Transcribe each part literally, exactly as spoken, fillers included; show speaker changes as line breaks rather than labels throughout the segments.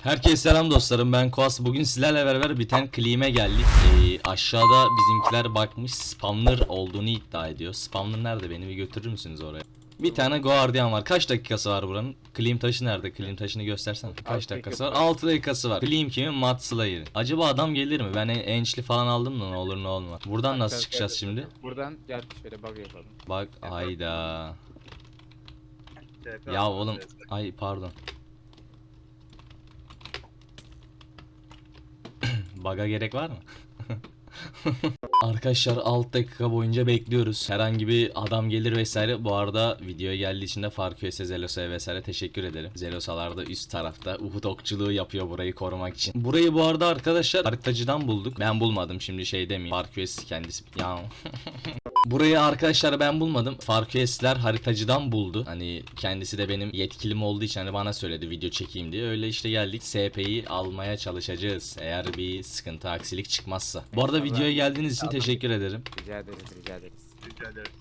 Herkese selam dostlarım, ben Koas. Bugün sizlerle beraber biten Claim'e geldik. Ee, aşağıda bizimkiler bakmış, spawner olduğunu iddia ediyor. Spawner nerede, beni bir götürür müsünüz oraya? Bir tane Guardian var. Kaç dakikası var buranın? Claim taşı nerede? Claim taşını göstersen. Kaç dakikası var? altı dakikası var. Claim kimin? Matt Slayer'in. Acaba adam gelir mi? Ben enchli falan aldım da ne olur ne olmaz. Buradan nasıl çıkacağız şimdi?
Buradan gel şöyle bug yapalım.
Bak ayda. Ya oğlum, ay pardon. Bug'a gerek var mı? Arkadaşlar altı dakika boyunca bekliyoruz. Herhangi bir adam gelir vesaire. Bu arada videoya geldiği için de Farküese, Zelosa'ya vesaire teşekkür ederim. Zelosalar da üst tarafta Uhud okçuluğu yapıyor burayı korumak için. Burayı bu arada arkadaşlar haritacıdan bulduk. Ben bulmadım, şimdi şey demeyeyim. Farkües kendisi ya. Burayı arkadaşlar ben bulmadım. Farküesler haritacıdan buldu. Hani kendisi de benim yetkilim olduğu için hani bana söyledi video çekeyim diye. Öyle işte geldik. S P'yi almaya çalışacağız. Eğer bir sıkıntı, aksilik çıkmazsa. Bu arada videoya geldiğiniz için teşekkür ederim.
Rica ederiz, rica ederiz.
Rica ederim.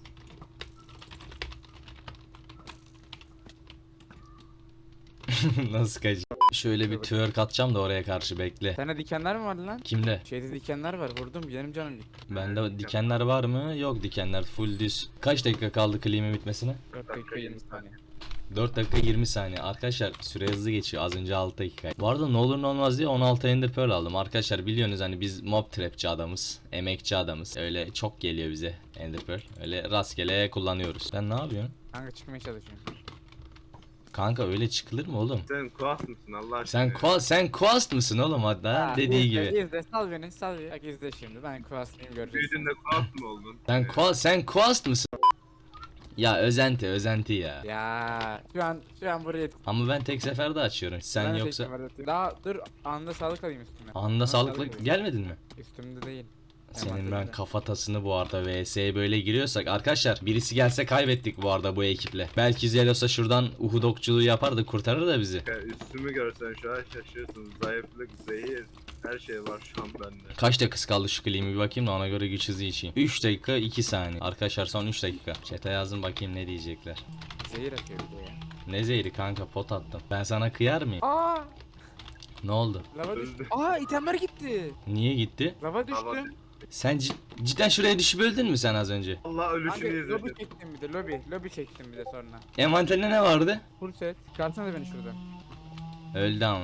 Nasıl kaç? Şöyle bir twerk atacağım da oraya karşı, bekle.
Sende dikenler mi vardı lan?
Kimde?
Şeyde dikenler var, vurdum benim canım gitti.
Bende dikenler var mı? Yok, dikenler full düz. Kaç dakika kaldı Claim'in bitmesine?
dört dakika yirmi saniye.
dört dakika yirmi saniye. Arkadaşlar süre hızlı geçiyor. Az önce altı dakika. Bu arada ne olur ne olmaz diye on altı Ender Pearl aldım. Arkadaşlar biliyorsunuz hani biz mob trapçi adamız. Emekçi adamız. Öyle çok geliyor bize Ender Pearl. Öyle rastgele kullanıyoruz. Sen ne yapıyorsun?
Kanka çıkmaya çalışıyorum.
Kanka öyle çıkılır mı oğlum?
Sen kuas mısın Allah aşkına?
Sen Quast, sen Quast mısın oğlum hatta?
Ha,
Dediği
izle,
gibi.
İzle, sal beni, sal beni. Bak izle şimdi, ben Quast'ıyım göreceksin.
Büyüdün de kuas mı oldun?
Sen Quast, sen Quast mısın? Ya özenti, özenti ya.
Ya şu an, şu an buraya...
Ama ben tek seferde açıyorum. Sen
Ben de
yoksa
tekrar atıyorum. Daha dur, anda sağlık alayım üstüme.
anında sağlıkla
alayım.
gelmedin mi?
Üstümde değil.
Senin ben
Envanterimde.
kafatasını bu arada V S'ye böyle giriyorsak arkadaşlar, birisi gelse kaybettik bu arada bu ekiple. Belki Zelos'a şuradan Uhud okçuluğu yapar da kurtarır da bizi.
Ya üstümü görsen şu an şaşırsın. Zayıflık, zehir, her şey var şu an bende.
Kaç dakika kaldı şu Claim'i bir bakayım da ona göre güç hızı içeyim. üç dakika iki saniye. Arkadaşlar son üç dakika. Chat'e yazın bakayım ne diyecekler.
Zehir atıyor bir de ya.
Ne zehri kanka, pot attım. Ben sana kıyar mıyım?
Aa!
Ne oldu?
Lava düştü.
Öldü.
Aa, itemler gitti.
Niye gitti?
Lava
Lava
düştüm.
Sen cid- cidden şuraya düşüp öldün mü sen az önce?
Allah
Kanka
ölüşünü
lobi
izledim.
çektim bir de, lobi. Lobi çektim bir de sonra.
Envanterinde ne vardı?
Full set. Çıkarsana beni şuradan.
Öldü ama.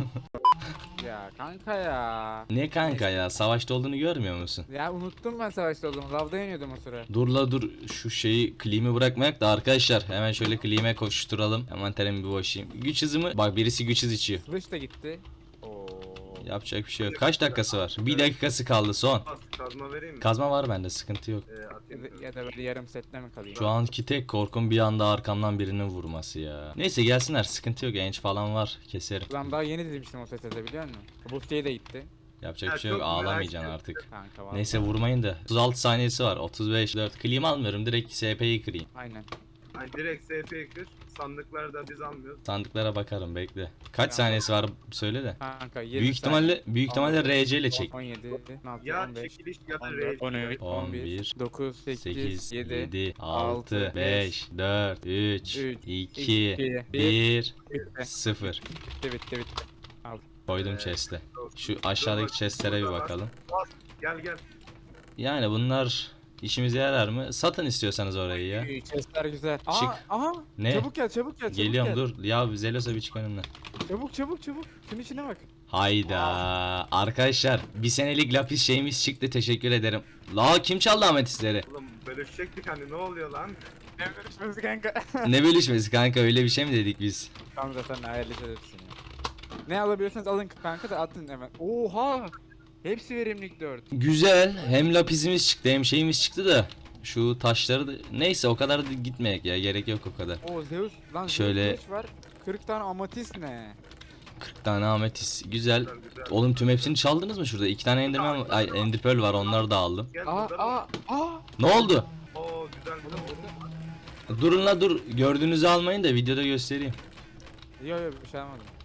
Ya kanka ya.
Ne kanka ya, savaşta olduğunu görmüyor musun?
Ya unuttum ben savaşta olduğumu. Lavda yeniyordum o sıra.
Dur la dur, şu şeyi Claim'i bırakmayak da arkadaşlar, hemen şöyle Claim'e koşturalım. Hemen terimi bir boşayım. Güç hızımı bak, birisi güç hız içiyor.
Kılıç da gitti. Oo.
Yapacak bir şey yok. Kaç dakikası var? Bir dakikası kaldı son.
Kuas, kazma vereyim mi?
Kazma var bende, sıkıntı yok.
Ee,
Ya
atayım.
da, ya da böyle yarım setle mi kalayım?
Şu anki tek korkum bir anda arkamdan birinin vurması ya. Neyse gelsinler, sıkıntı yok, enç falan var, keserim.
Ulan daha yeni demiştim o sete de, biliyor musun? Bu siteye de gitti.
Yapacak
Ya
bir şey yok,
çok merak
ağlamayacaksın
ettim.
artık.
Kanka var.
Neyse vurmayın da. otuz altı saniyesi var, otuz beş, dört. Claim almıyorum, direkt S P'yi kırayım.
Aynen.
Hani direkt S P'ye kır. Sandıklarda biz almıyoruz.
Sandıklara bakarım, bekle. Kaç
Tamam.
saniyesi var söyle de.
Kanka yirmi
Büyük ihtimalle büyük ihtimalle R C ile çek.
on yedi, on altı,
Ya
on beş,
çekiliş ya da
on
raid.
dört, on üç, on bir, dokuz,
sekiz,
sekiz, yedi,
yedi, altı,
altı,
beş, dört, üç,
üç,
iki,
iki,
bir,
bitti.
sıfır.
Bitti bitti bitti.
Koydum
Ee,
chest'e. Şu aşağıdaki chest'lere bir bakalım.
Gel gel.
Yani bunlar işimize yarar mı? Satın istiyorsanız orayı ya.
İyi, chestler güzel. Aa,
Çık.
aha.
Ne?
Çabuk gel, çabuk gel, çabuk
Geliyorum
gel.
dur. Ya Zelos'a bir çık önümden.
Çabuk çabuk çabuk. Şunun içine bak.
Hayda. Arkadaşlar bir senelik lapis şeyimiz çıktı, teşekkür ederim. La kim çaldı ametistleri?
Oğlum bölüşecektik hani ne oluyor lan?
Ne görüşmesi kanka.
Ne bölüşmesi kanka, öyle bir şey mi dedik biz?
Kanka sen hayalleşe edersin ya. Ne alabiliyorsanız alın kanka da atın hemen. Oha. Hepsi verimlilik dört.
Güzel. Hem lapisimiz çıktı hem şeyimiz çıktı da. Şu taşları da neyse, o kadar da gitmeyek ya, gerek yok o kadar.
Oo Zeus lan,
Şöyle-
Zeus kılıç var. kırk tane amatist ne?
kırk tane ametist. Güzel.
Güzel güzel.
Oğlum tüm hepsini çaldınız mı şurada? İki tane enderman, ay ender pearl var, onları da aldım.
Gel
Aa
burada.
aa aa.
Ne oldu?
Oo güzel güzel.
Durun la dur. Gördüğünüzü almayın da videoda göstereyim.
Yok yok bir şey almadım.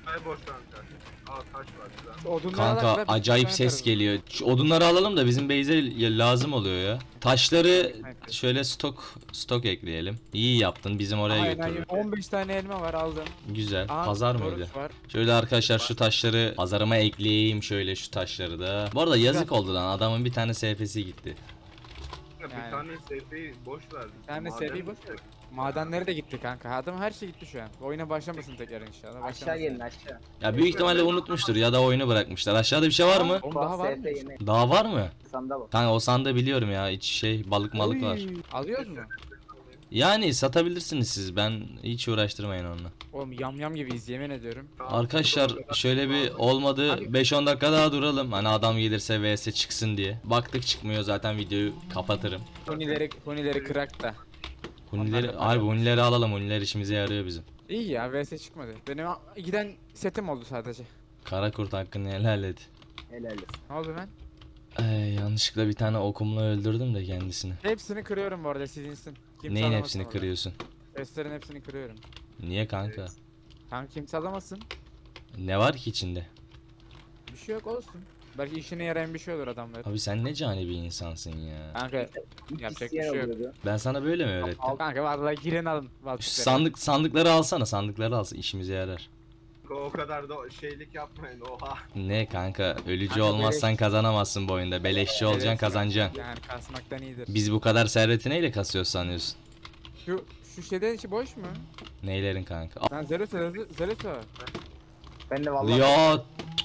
Ay boş kanka. Aa taş var güzel.
Odunları
Kanka
alak da biz
acayip
bir tane
ses
yaparız.
geliyor. Şu odunları alalım da bizim base'e lazım oluyor ya. Taşları
Evet.
şöyle stok stok ekleyelim. İyi yaptın, bizim oraya
Aynen,
götürdün.
on beş tane elma var aldım.
Güzel.
Aa,
Pazar
oruç
mıydı?
Var.
Şöyle arkadaşlar şu taşları pazarıma ekleyeyim, şöyle şu taşları da. Bu arada yazık oldu lan, adamın bir tane S F'si gitti.
Bir
Yani.
tane seyfeyi boş verdim.
Bir tane
Maden
seyfeyi boş
gitti.
ver. Madenleri de gitti kanka. Adam her şey gitti şu an. Oyuna başlamasın tekrar inşallah.
Aşağı
Başlamasın.
gelin aşağı.
Ya büyük ihtimalle unutmuştur ya da oyunu bırakmışlar. Aşağıda bir şey var mı?
Oğlum daha var mı?
S F yeni.
Daha var mı?
Sanda bak.
Kanka o sandığı biliyorum ya, iç şey balık malık var.
Oy, Alıyoruz mu?
Yani satabilirsiniz siz, ben hiç uğraştırmayın onunla.
Oğlum yam yam gibiyiz yemin ediyorum.
Arkadaşlar şöyle bir olmadı
Abi-
beş on dakika daha duralım. Hani adam gelirse V S çıksın diye. Baktık çıkmıyor, zaten videoyu kapatırım.
Hunileri, hunileri kırak da.
Hunileri,
Onlar da-
harbi hunileri alalım, huniler işimize yarıyor bizim.
İyi ya V S çıkmadı. Benim a- giden setim oldu sadece.
Kara kurt hakkını helal et.
Helal olsun.
Ne oldu lan?
Ay, yanlışlıkla bir tane okumla öldürdüm de kendisini.
Hepsini kırıyorum bu arada sizinsin. Kimse
Neyin
alamasın
hepsini
orada.
kırıyorsun?
Chestlerin hepsini kırıyorum.
Niye kanka?
Kanka kimse alamasın.
Ne var ki içinde?
Bir şey yok olsun. Belki işine yarayan bir şey olur adamlar.
Abi sen ne cani bir insansın ya.
Kanka
İlk
Yapacak
isteyen
bir şey yok.
oluyordu.
Ben sana böyle mi öğrettim?
al kanka vallahi girin alın.
Şu
Valtikleri.
sandık sandıkları alsana, sandıkları alsın, işimize yarar.
O kadar da şeylik yapmayın oha.
Ne kanka, ölücü
Kanka
olmazsan
beleş.
kazanamazsın bu oyunda. Beleşçi olacaksın,
Evet.
kazanacaksın.
Yani kasmaktan iyidir.
Biz bu kadar serveti neyle kasıyoruz sanıyorsun?
Şu şu şeyden içi boş mu?
Neylerin kanka?
Lan Zeros Zeros Zeros.
Ben de vallahi
Ya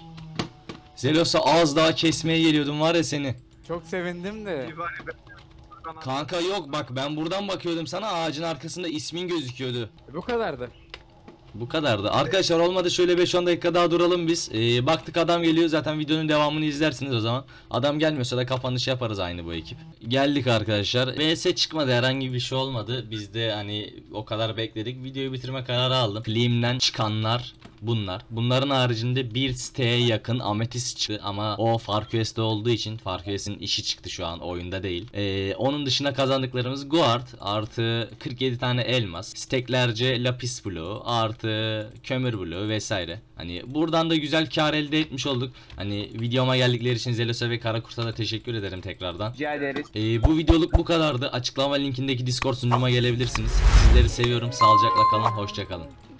Zelos'a az daha kesmeye geliyordum var ya seni.
Çok sevindim de.
Bir var ya ben- Sana-
Kanka yok bak, ben buradan bakıyordum sana, ağacın arkasında ismin gözüküyordu.
Bu kadardı.
Bu kadardı. Arkadaşlar olmadı şöyle beş on dakika daha duralım biz. Ee, baktık adam geliyor, zaten videonun devamını izlersiniz o zaman. Adam gelmiyorsa da kapanış yaparız aynı bu ekip. Geldik arkadaşlar. V S çıkmadı, herhangi bir şey olmadı. Biz de hani o kadar bekledik. Videoyu bitirme kararı aldım. Claim'den çıkanlar bunlar. Bunların haricinde bir siteye yakın ametist çıktı ama o FarQuest'te olduğu için FarQuest'in işi çıktı, şu an oyunda değil. Ee, onun dışında kazandıklarımız Guard artı kırk yedi tane elmas, steklerce lapis blue artı kömür blue vesaire. Hani buradan da güzel kar elde etmiş olduk. Hani videoma geldikleri için Zelos'a ve Karakurt'a da teşekkür ederim tekrardan.
rica ederiz.
Ee, bu videoluk bu kadardı. Açıklama linkindeki Discord sunucuma gelebilirsiniz. Sizleri seviyorum. Sağlıcakla kalın. Hoşça kalın.